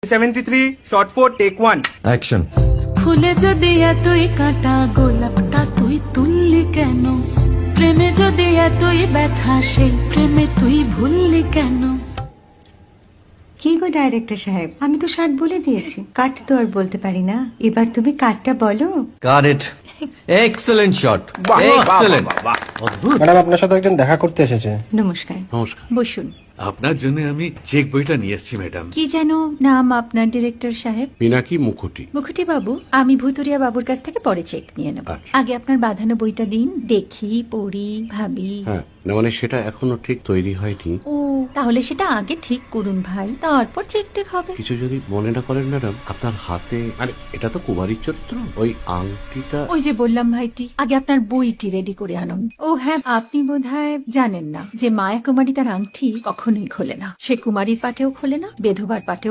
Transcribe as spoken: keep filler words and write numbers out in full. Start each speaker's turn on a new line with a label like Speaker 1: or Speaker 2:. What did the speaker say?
Speaker 1: Seventy three shot four take one
Speaker 2: action.
Speaker 3: ফুলে যদি এতই কাঁটা গোলাপটা তুই তুললি কেন? প্রেমে যদি এতই ব্যথা সেই প্রেমে তুই ভুললি কেন?
Speaker 4: কি গো ডাইরেক্টর সাহেব, আমি তো ষাট বলে দিয়েছি, কাট তো আর বলতে পারি না, এবার তুমি কাটটা বলো।
Speaker 2: Got it. Excellent shot, excellent.
Speaker 5: Madam আপনার সাথে একজন দেখা করতে এসেছে।
Speaker 4: নমস্কার,
Speaker 6: নমস্কার।
Speaker 4: বসুন।
Speaker 6: আপনার জন্য আমি চেক বইটা নিয়ে এসেছি ম্যাডাম।
Speaker 4: কি যেন নাম আপনার ডিরেক্টর সাহেব?
Speaker 6: পিনাকি মুখোটি।
Speaker 4: মুখুটি বাবু, আমি ভুতুরিয়া বাবুর কাছ থেকে পরে চেক নিয়ে নেব।
Speaker 6: আচ্ছা।
Speaker 4: আগে আপনার বাঁধানো বইটা দিন, দেখি, পড়ি, ভাবি।
Speaker 6: হ্যাঁ, না মানে সেটা এখনো ঠিক তৈরি হয়নি।
Speaker 4: ও, তাহলে সেটা আগে ঠিক করুন ভাই, তারপর চেক টেক হবে।
Speaker 6: কিছু যদি মনে না করেন ম্যাডাম, আপনার হাতে মানে এটা তো কুমারীর চরিত্র, ওই আংটিটা।
Speaker 4: ওই যে বললাম ভাইটি, আগে আপনার বইটি রেডি করে আনুন। ও হ্যাঁ, আপনি বোধহয় জানেন না যে মায়া কুমারী তার আংটি কখনোই খোলে না। সে কুমারীর পাটেও খোলে না, বেধবার পাটেও